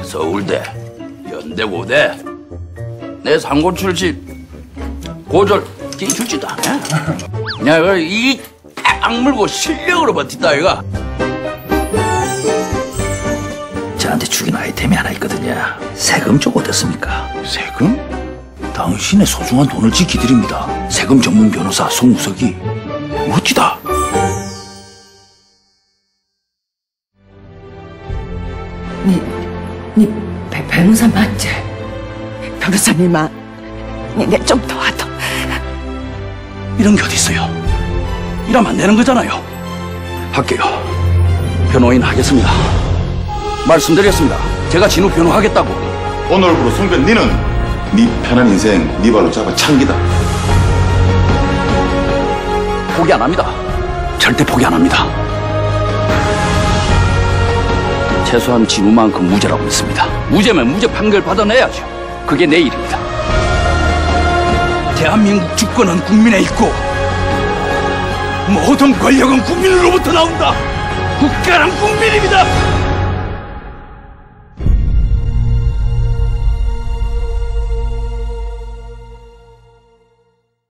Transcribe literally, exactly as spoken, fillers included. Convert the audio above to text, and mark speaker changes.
Speaker 1: 서울대, 연대고대, 내 상고 출신 고졸 끼주지도 않아. 내가 이 악물고 실력으로 버틴다 이가. 저한테 죽인 아이템이 하나 있거든요. 세금 쪽 어땠습니까?
Speaker 2: 세금?
Speaker 1: 당신의 소중한 돈을 지키드립니다. 세금 전문 변호사 송우석이. 멋지다.
Speaker 3: 니, 니 배, 변호사 맞지? 변호사님아, 니네 좀 도와줘.
Speaker 1: 이런 게 어디 있어요? 이러면 안 되는 거잖아요. 할게요. 변호인 하겠습니다. 말씀드렸습니다. 제가 진우 변호하겠다고.
Speaker 2: 오늘부로 송변 니는 네 편한 인생 네 발로 잡아 참기다.
Speaker 1: 포기 안 합니다. 절대 포기 안 합니다. 최소한 진우만큼 무죄라고 믿습니다. 무죄면 무죄 판결 받아내야죠. 그게 내 일입니다. 대한민국 주권은 국민에 있고 모든 권력은 국민으로부터 나온다. 국가란 국민입니다.